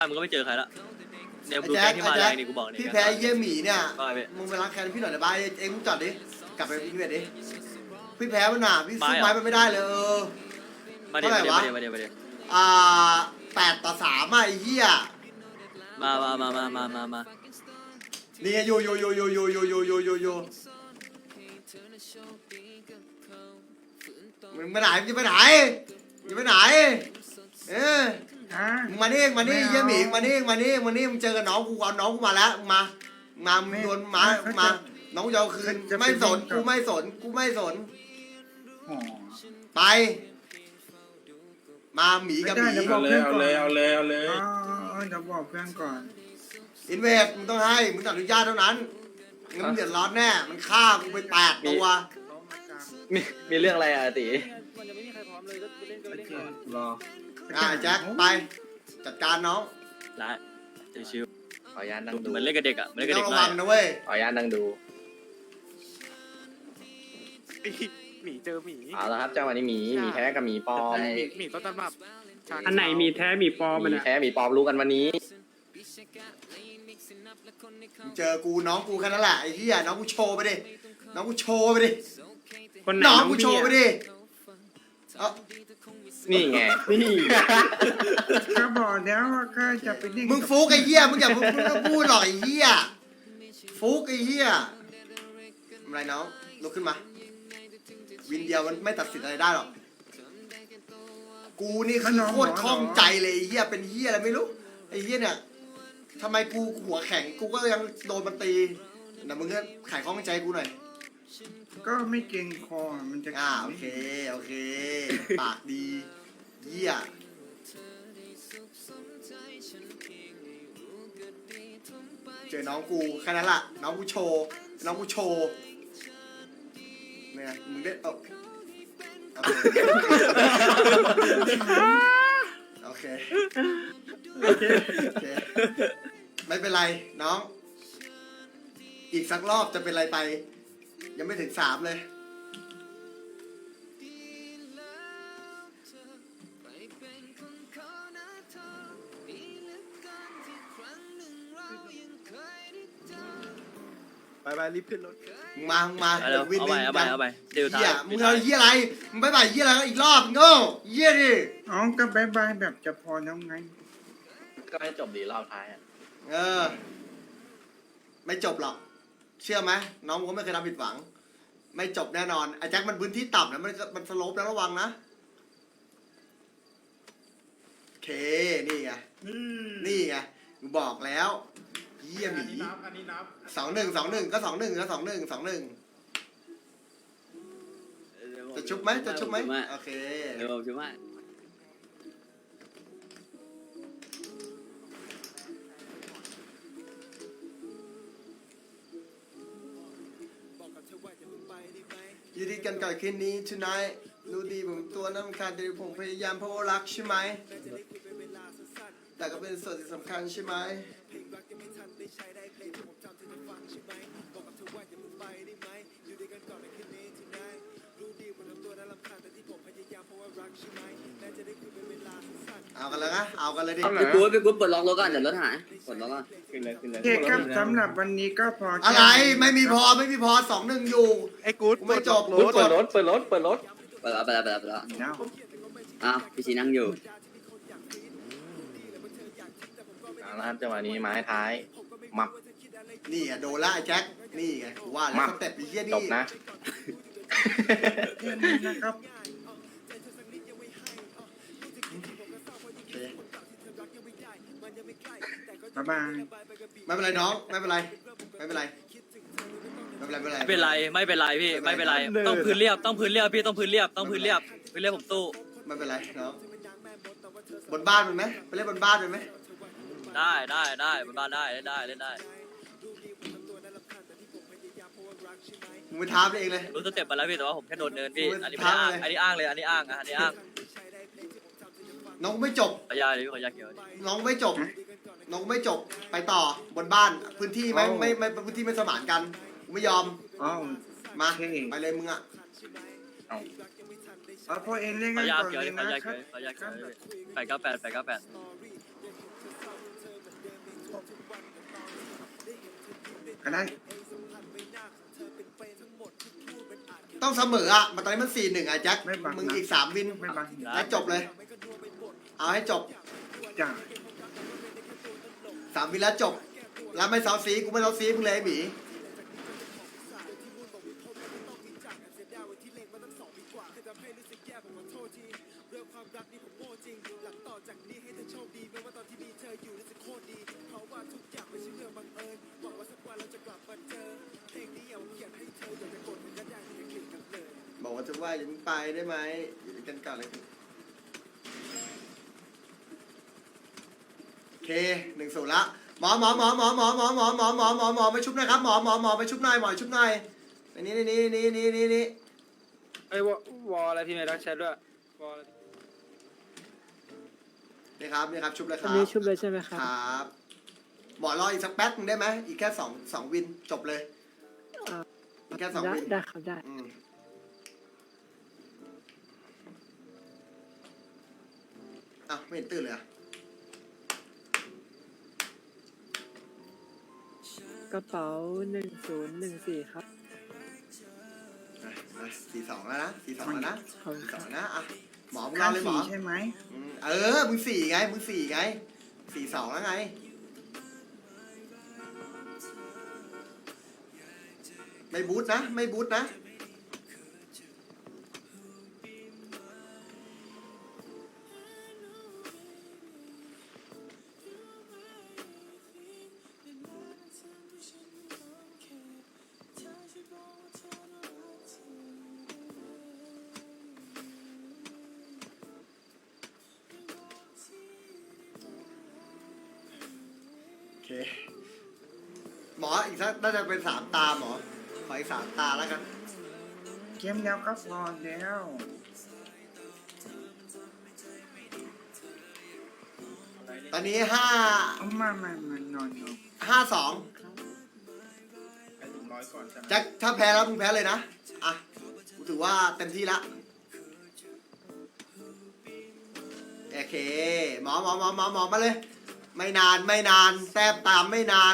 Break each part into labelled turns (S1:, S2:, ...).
S1: มึงก็ไม่เจอใครละเนี่ยดู
S2: แจ็
S1: แก๊
S2: ค
S1: งที่มาแรงนี่กูบอกเนี่ย
S2: พี่แพ้เยี่ยหมีเนี่ย
S1: ว่าไงพี่
S2: มึงไปล้างแค้นพี่หน่อยได้ป่ะเอ็งมึงจอดดิกลับไปอินเวดดิพี่แพ้มันหนาพี่สู้ไม้มันไม่ได้เลย
S1: มาเดี๋ยวมาเดี๋ยว
S2: 8-3ไอ้เหี้ย
S1: มา
S2: นี่อยู่มึงไปไหนมึงจะไปไหนจะไปไหนมึงมานี่เยี่ยหมีมานี่มึงเจอกับน้องกูเอาน้องกูมาแล้วมึงโดนมาน้องกูจะเอาคืนไม่สนกูไม่สนไปมาหมีกับหมี
S3: เอาเลย
S4: เดี๋ยวบอกเพื่อนก่อน
S2: อินเวดมึงต้องให้มึงต้องอนุญาตเท่านั้นงั้นมึงเดือดร้อนแน่มันฆ่ากูไป8 ตัว
S1: มีเรื่องอะไรอ่ะตี
S3: รอ
S2: แจ็คไปจัดการน้อง
S1: ละชิว
S3: ขออนุญาตนั่งดู
S1: เหมือนเล่นกับเด็กอ่ะเหมือนเล่นกับ
S2: ต้อ
S1: เด็
S2: ง
S1: ก
S2: ระวังนะเว้ย
S3: ขออนุญาตนั่งดู
S5: หมีเจอหมี
S3: เอาละครับจังหวะนี้หมีแท้กับหมีปลอม
S5: หมีต้นตำรับ
S4: อันไหนมีแท้มีปลอม
S3: ห
S4: มัน
S3: มี
S4: อะ
S3: แท้หมีปลอมรู้กันวันนี้
S2: เจอกูน้องกูแค่นั้นแหละไอ้เหี้ยน้องกูโชว์ไปดิ
S4: คนไหน
S2: น้อง
S4: น้อง
S2: กูโช
S4: พี่
S2: ว์ไป
S4: อะ
S2: ดิเอา
S3: นี่ไงนี่
S4: ก็บอกแล้วว่าก็จะไปนิ่ง
S2: มึงฟุกไอ้เหี้ยมึงอย่าพูดหรอกไอ้เหี้ยฟุกไอ้เหี้ยอะไรน้องลุกขึ้นมาวินเดียวมันไม่ตัดสินอะไรได้หรอกกูนี่คือโคตรคล่องใจเลยไอ้เหี้ยเป็นเหี้ยอะไรไม่รู้ไอ้เหี้ยเนี่ยทำไมกูหัวแข็งกูก็ยังโดนมันตีแต่มึงก็ไขข้องใจกูหน่อย
S4: ก็ไม่เก่งคอมันจะ
S2: โอเคปากดีเหี้ยเจอน้องกูแค่นั้นละน้องกูโชว์เนี่ยมึงได้โอเคไม่เป็นไรน้องอีกสักรอบจะเป็นไรไปยังไม่ถึง3เลย
S5: ไปรีบขึ้นรถ
S2: มา
S1: เอาไปเดี๋ยวท้าย
S2: มึงเอาเหี้ยอะไรมึงไปเหี้ยอะไรอีกรอบโง่เหี้ยดิ
S4: อ๋อก็บายบายแบบจะพอแล้วไง
S3: ก็ให้จบดีรอบท้ายอ่ะ
S2: ไม่จบหรอกเชื่อไหมน้องผมก็ไม่เคยทำผิดหวังไม่จบแน่นอนไอ้แจ็คมันพื้นที่ต่ำนะมันสโลปแล้วระวังนะโอเคนี่ไงกูบอกแล้วเยี่ยมหมี2-1ก็2-1จะชุบไหมโอเค
S1: เดี๋ยวผมชิวมาก
S2: ยืดกันก่อนคืนนี้ tonight รู้ดีผมตัวน้ำคัญแต่ผมพยายามเพราะว่ารักใช่ไหมแต่ก็เป็นส่วนที่สำคัญใช่ไหมเอากันเลยนะเอากันเลยดิ
S1: พี่กูเปิดล็อกรถก่อนเดี๋ยวรถหายเปิดล็อกก่อน
S3: ขึ้นเลย
S4: โอเคครับสำหรับวันนี้ก็พอ
S2: อะไรไม่มีพอ2-1อยู่
S5: ไอ้กู๊ด
S2: ไม่จบ
S3: เปิดรถ
S1: ไปแล้ว
S4: แล้ว
S1: อ้าวพี่ชีนั่งอยู่
S3: เอาละครับจังหวะนี้ไม้ท้ายมับ
S2: นี่โดนละไอ้แจ็คนี่ไงกูว่าแล้วสเต็ปไอ้เหี้ย
S3: จ
S2: นี่
S3: บนะ
S4: แค่นี้นะครับ บ๊ายบาย
S2: ไม่เป็นไรน้องไม่เป็นไรพี่ไม่เป็นไร
S1: ต้องพื้นเรียบพี่ต้องพื้นเรียบผมตู้
S2: ไม่เป็นไรน้องบนบ้านมันไหมไปเล่นบนบ้านมันไหม
S1: ได้บนบ้านได้เล่นได้
S2: มึงไปท้าไปเองเลย
S1: รู้สเต็ปมาแล้วพี่แต่ว่าผมแค่โดนเนินพี่อันนี้ไม่อ้างอันนี้อ้างเลยอันนี้อ้าง
S2: น้องไม่จบ
S1: ขอยาเลยพี่ขอยาเขียว
S2: น้องไม่จบไปต่อบนบ้านพื้นที่ไม่พื้นที่ไม่สมานกันไม่ยอม
S4: อ๋อ
S2: มาไปเลยมึงอ่ะ
S4: เอาพอเองเล่น
S1: ข
S4: กั
S1: อน ยา
S4: ก่อน
S1: เขียว
S4: เลย
S1: ขอ
S4: นะ
S1: ยา
S4: ครั
S1: เขียว
S4: บ
S1: 898
S4: ก็ได้
S2: ต้องเสมออ่ะมาตอนนี้มัน4-1อ่ะแจ็ค
S4: ไม่บัง
S2: มึงอีก3วิน
S4: ไม่บัง
S2: แล้วจบเลย เอาให้จบ
S4: จ้า
S2: 3 วินแล้วจบ แล้วไม่เซาซีกูไม่เซาซีมึงเลยไอ้หมีบอกว่าจะว่าอย่าเพิ่งไปได้ไหมอยู่ด้วยกันก่อนเลยโอเค1-0ละหมอไปชุบหน่อยครับหมอไปชุบหน่อยหมอชุบหน่อยในนี้
S6: ไอ้วอลอะไรพี่เมย์รักแชทด้วยวอล
S2: นี่ครับชุบเลยค
S7: อั
S2: รั
S7: น
S2: บ
S7: นี้ชุบเลยใช่ไหมครับ
S2: ครับหมอรออีกสักแป๊บนึงได้ไหมอีกแค่สองวินจบเลย
S7: อ่า
S2: อีกแค่2
S7: ได้
S2: วิน
S7: ได้ครับได้
S2: อ้าวไม่เห็นตื่นเลยอะ
S7: กระเป๋า1014ครับ
S2: 42แล้วนะ42แล้วนะ
S7: ขอบคุณครับ
S2: 42นะอ่ะหมอมึงร
S4: ข้า
S2: อเลยหมอ
S4: ใช่ไหม
S2: มึง4ไง42แล้วไงไม่บูทนะ โอเคหมออีกสักน่าจะเป็น3 ตาหมอขออีก3 ตาแล้วกัน
S4: เกมแล้วก็พอแล้ว
S2: ตอนนี้
S4: เอามานอน
S2: 5-2แจ็คถ้าแพ้แล้วมึงแพ้เลยนะอ่ะกูถือว่าเต็มที่ละโอเคหมอมาเลยไม่นานแต้มตามไม่นาน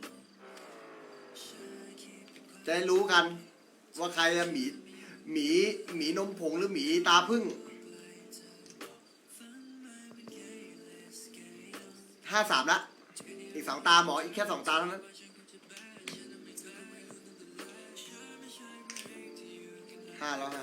S2: จะได้รู้กันว่าใครจะหมีนมผงหรือหมีตาพึ่ง5-3ละอีก2 ตาหมออีกแค่2 ตาเท่านั้น5 แล้ว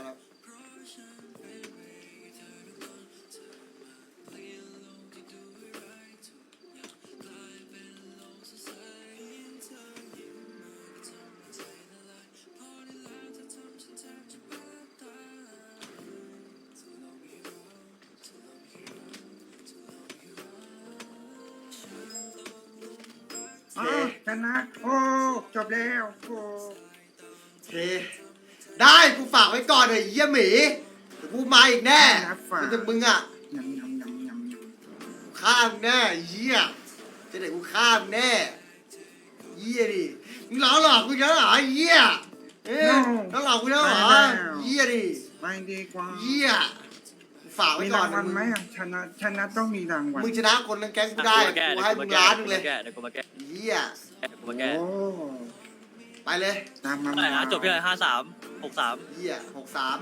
S4: อ๋อชนะโอ้จบแล้วโอ้
S2: โอเคได้กูฝากไว้ก่อนเลยเยี่ยหมีเดี๋ยวกูมาอีกแน่มึงอ่ะ
S4: ยำ
S2: ฆ่ามึงแน่เยี่ยจะไหนกูฆ่ามึงแน่เยี่ยดิมึงหลอกกูแล้วเหรอเยี่ยหลอกกูแล้วเหรอเยี่ยดิ
S4: ไม่ดีกว่า
S2: เยี่ยฝากไว้
S4: มี
S2: ก่อ
S4: ราน งวัลไหมอ่ะชนะต้องมีรางวัล
S2: มึงชนะคนทั้งแก๊งกูได้กูให้มึงล้านนึงเลย
S1: เดี๋ยวกูมาแก้
S2: เยี่ย
S1: เดี๋ยวกูมาแก้
S4: โอ้
S2: ไปเลย
S4: ตามมา
S1: เท่าไหร่นะจบที่ไหน53
S2: เยี่ย63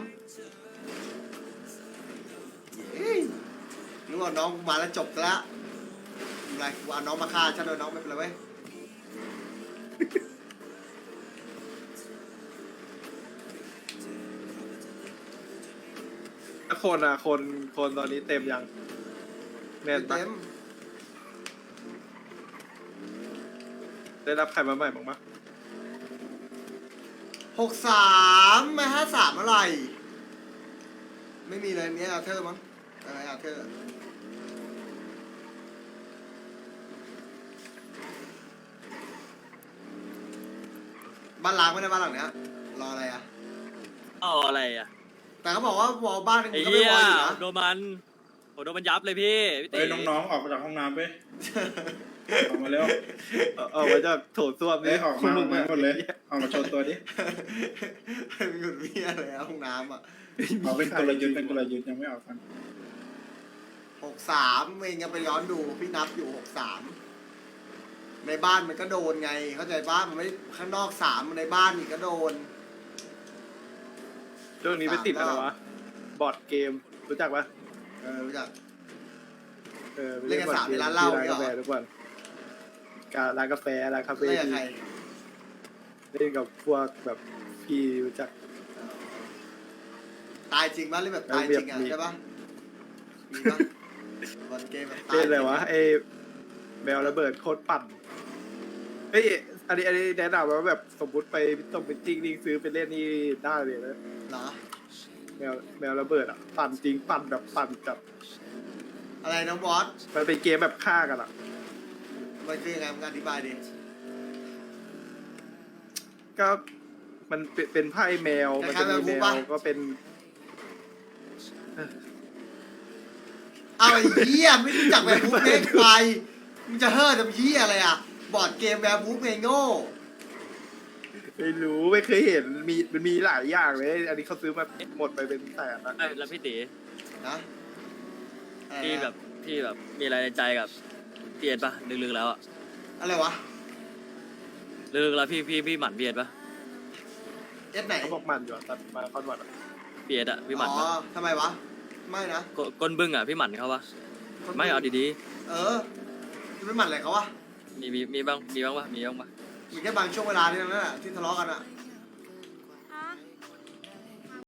S2: นึกว่าน้องกูมาแล้วจบแล้วอะไรกูเอาน้องมาฆ่าฉันโดยน้องไม่เป็นไรเว้ย
S5: คนอ่ะคนตอนนี้เต็มยังแน่นปะ
S2: เต็ม
S5: ได้รับใครมาใหม่บ้างปะ
S2: 63ไม่53อะไรไม่มีเลยมีอาเธอร์มั้งอะไรอาเธอร์บ้านล้างไม่ได้บ้านหลังเนี้ยรออะไรอ่ะ
S1: เอาอะไรอ่ะ
S2: แต่เขาบอกว่าวอลบ้านนึง
S1: ไอ้
S2: ก็ไม่
S1: เหี้ยว
S2: อลอยู่นะ
S1: โดนมันโดนมันยับเลยพี่ตี
S8: เฮ้ยน้องๆออกมาจากห้องน้ำไปออกมาเร็ว
S5: เอาไว้จะโถส้วม
S8: เฮ้ยออกมาออกมาหมดเลยออกมาโชว์ตัวดิ
S2: มีหยุดมีอะไรอะห้องน้ำอ่ะ
S8: เอาเป็นกลยุทธ์ยังไม่ออกกัน
S2: 63เองยังไปย้อนดูพี่นับอยู่63 ในบ้านมันก็โดนไงเข้าใจปะมันไม่ข้างนอก3ในบ้านอีกก็โดน
S5: ช่วงนี้ไปติดอะไรวะบอร์ดเกมรู้จักปะ
S2: รู้จัก
S5: ไป
S2: เล่นกัน
S5: บอร์ด
S2: สามในร้านเหล้า
S5: ที่ร้านกาแฟ
S2: เหรอ
S5: ทุกวันร้านกาแฟร้านคาเฟ่
S2: เล่นกับใคร
S5: เล่นกับพวกแบบพี่รู้จัก
S2: ตายจริงปะเล่นแบบตายจริงอ่ะ
S5: มี
S2: ใช่ปะมีปะบอลเกมแบบตาย
S5: เล่นอะไรวะ
S2: จง
S5: ไอ้แมวระเบิดโคตรปั่นเฮ้ยอันนี้แนะนำว่าแบบสมมติไปต้องเป็นจริงนี่ซื้อไปเล่นนี่ได้เลยนะ
S2: เหรอ
S5: แมวระเบิดอ่ะปั่นจริงปั่นแบบปั่นจับ
S2: อะไรน้องบอส
S5: มันเป็นเกมแบบฆ่ากันอ่ะ
S2: มันคือยังไงมึงอธิบายดิ
S5: ก็มันเป็นไพ่แมวมันจะมีแมวก็เป็น
S2: เอาไอ้เหี้ยไม่รู้จักแบบบู๊เพลงไปมึงจะเฮ่อทำเหี้ยอะไรอ่ะบอร์ดเกมแบบบู๊เพลงโง่
S5: ไม่รู้ไม่เคยเห็นมันมีหลายอย่างเลย อันนี้เขาซื้อมาหมดไปเป็นแสนนะ
S1: เอ้ยแล้วพี่ตี
S2: นะอะไร
S1: พี่
S2: นะ
S1: แบบพี่แบบมีอะไรในใจกับพี่เอ็ดปะลึกๆแล้วอะ
S2: อะไรวะ
S1: ลึกๆแล้วพี่หมั่นพี่เอ็ดปะ
S2: เอสไหน
S5: เขาบอกมันอยู่อะตัดมาคอนวัดอะ
S1: พี่เอ็ดอะพี่หมั่น
S2: อ๋
S1: ปะ
S2: อทำไมวะไม่นะ
S1: ก้นบึ้งอะพี่หมั่นเขาปะไม่เอาดี
S2: เออจะไม่หมั่นอะไรเขาวะ
S1: ๆมีบ้างปะ
S2: มีแค่บางช่วงเวลาที่นั่นแหละที่ทะเลาะกันอ่ะ